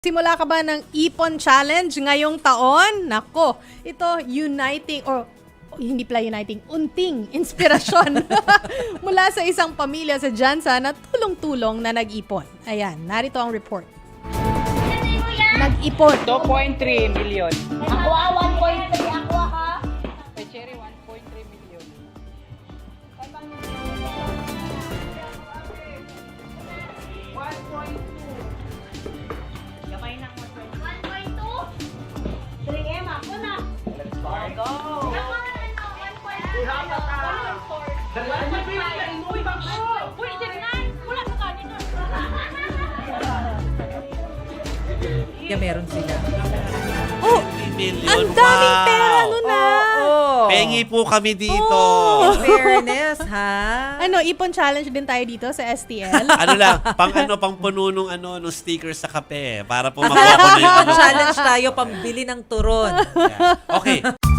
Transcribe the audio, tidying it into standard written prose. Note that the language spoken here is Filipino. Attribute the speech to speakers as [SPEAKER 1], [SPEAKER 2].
[SPEAKER 1] Simula ka ba ng Ipon Challenge ngayong taon? Nako, ito uniting or hindi pala uniting, unting inspirasyon mula sa isang pamilya sa Jansa na tulong-tulong na nag-ipon. Ayan, narito ang report. Nag-ipon.
[SPEAKER 2] 2.3 million.
[SPEAKER 3] Aqua 1.3, aqua ka?
[SPEAKER 2] Kay Cherry 1.3 million.
[SPEAKER 3] Gamay ng 1.2? 3M ako na.
[SPEAKER 2] Go!
[SPEAKER 4] Kaya meron sila.
[SPEAKER 1] Oh,
[SPEAKER 5] Million.
[SPEAKER 1] ang daming pera nun na.
[SPEAKER 4] Oo.
[SPEAKER 5] Pengi po kami dito.
[SPEAKER 4] In fairness, ha?
[SPEAKER 1] Ano, Ipon Challenge din tayo dito sa STL.
[SPEAKER 5] Ano lang, pang puno nung nung sticker sa kape para po makuha ko na yung
[SPEAKER 4] Challenge tayo, pambili ng turon.
[SPEAKER 5] Okay.